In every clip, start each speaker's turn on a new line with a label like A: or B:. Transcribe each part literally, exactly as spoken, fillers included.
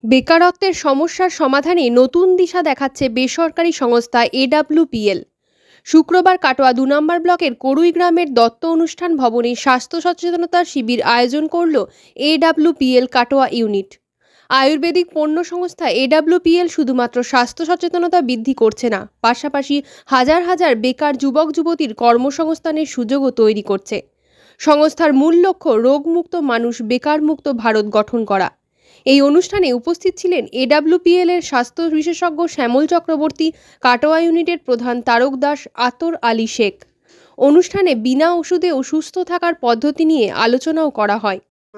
A: বেকারত্বের সমস্যার সমাধানে নতুন দিশা দেখাচ্ছে বেসরকারি সংস্থা এডব্লিউপিএল। শুক্রবার কাটোয়া দু নম্বর ব্লকের করুই গ্রামের দত্ত অনুষ্ঠান ভবনে স্বাস্থ্য সচেতনতা শিবির আয়োজন করল এডব্লিউপিএল কাটোয়া ইউনিট। আয়ুর্বেদিক পণ্য সংস্থা এডব্লিউপিএল শুধুমাত্র স্বাস্থ্য সচেতনতা বৃদ্ধি করছে না, পাশাপাশি হাজার হাজার বেকার যুবক যুবতীর কর্মসংস্থানের সুযোগও তৈরি করছে। সংস্থার মূল লক্ষ্য রোগমুক্ত মানুষ, বেকারমুক্ত ভারত গঠন করা। এই অনুষ্ঠানে উপস্থিত ছিলেন এডব্লিউপিএল এর স্বাস্থ্য বিশেষজ্ঞ শ্যামল চক্রবর্তী, কাটোয়া ইউনিটের প্রধান তারক দাস, আতর আলী শেখ। অনুষ্ঠানে বিনা ওষুধে ও সুস্থ থাকার পদ্ধতি নিয়ে আলোচনাও করা হয়।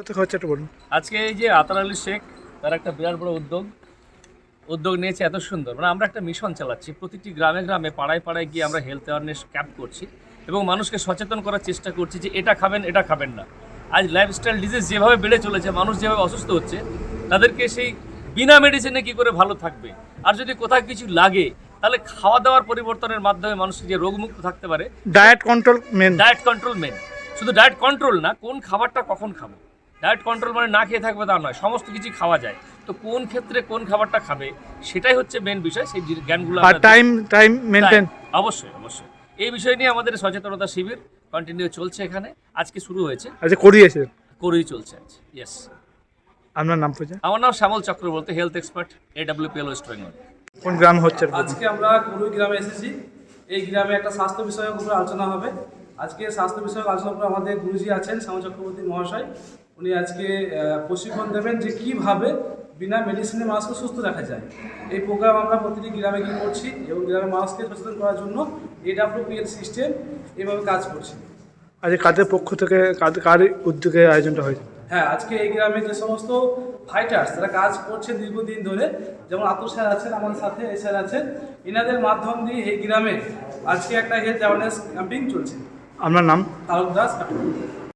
B: আজকে এই যে আতর আলী শেখ, তার একটা বিরাট বড় উদ্যোগ উদ্যোগ নিয়েছে, এত সুন্দর। মানে আমরা একটা মিশন চালাচ্ছি, প্রতিটি গ্রামে গ্রামে পাড়ায় পাড়ায় গিয়ে আমরা হেলথ অ্যাওয়ারনেস ক্যাম্প করছি এবং মানুষকে সচেতন করার চেষ্টা করছি যে এটা খাবেন, এটা খাবেন না। আজ লাইফস্টাইল ডিজিজ যেভাবে বেড়ে চলেছে, মানুষ যেভাবে অসুস্থ হচ্ছে, তাদেরকে সেই বিনা মেডিসিনে কী করে ভালো থাকবে, আর যদি কোথাও কিছু লাগে তাহলে খাওয়া দাওয়ার পরিবর্তনের মাধ্যমে মানুষ যে রোগমুক্ত থাকতে পারে।
C: Diet control main
B: diet control main শুধু ডায়েট কন্ট্রোল না, কোন খাবারটা কখন খাবো। ডায়েট কন্ট্রোল মানে না খেয়ে থাকবে তা নয়, সমস্ত কিছু খাওয়া যায়, তো কোন ক্ষেত্রে কোন খাবারটা খাবে সেটাই হচ্ছে মেন বিষয়। সেই জ্ঞানগুলো
C: আর টাইম টাইম মেনটেন
B: অবশ্যই অবশ্যই এই বিষয় নিয়ে আমাদের সচেতনতা শিবির কন্টিনিউ চলছে। এখানে আজকে শুরু হয়েছে,
C: আচ্ছা করিয়েছে
B: করেই চলছে আজ। ইয়েস,
C: আপনার নাম পূজা?
B: আমার নাম Shyamal Chakraborty, health expert, AWPL West Bengal.
C: কোন গ্রাম হচ্ছে?
D: আজকে আমরা করুই গ্রামে এসেছি। এই গ্রামে একটা স্বাস্থ্য বিষয়ক উপরে আলোচনা হবে। আজকে স্বাস্থ্য বিষয়ক আলোচনা করে আমাদের গুরুজি আছেন শ্যামল চক্রবর্তী মহাশয়। উনি আজকে প্রশিক্ষণ দেবেন যে কীভাবে বিনা মেডিসিনে মানুষকে সুস্থ রাখা যায়। এই প্রোগ্রাম আমরা প্রতিটি গ্রামে গিয়ে করছি এবং গ্রামের মানুষকে সচেতন করার জন্য এডব্লিউপিএল সিস্টেম এইভাবে কাজ করছে।
C: আজকে কাদের পক্ষ থেকে, কার উদ্যোগে আয়োজনটা হয়েছে?
D: হ্যাঁ, আজকে এই গ্রামে যে সমস্ত ফাইটার্স তারা কাজ করছে দীর্ঘদিন ধরে, যেমন আতুর স্যার আছেন আমাদের সাথে, এই স্যার আছেন, এনাদের মাধ্যম দিয়ে এই গ্রামে আজকে একটা হেলথ অ্যাওয়ারনেস ক্যাম্পিং চলছে।
C: আপনার নাম?
D: তারক দাস।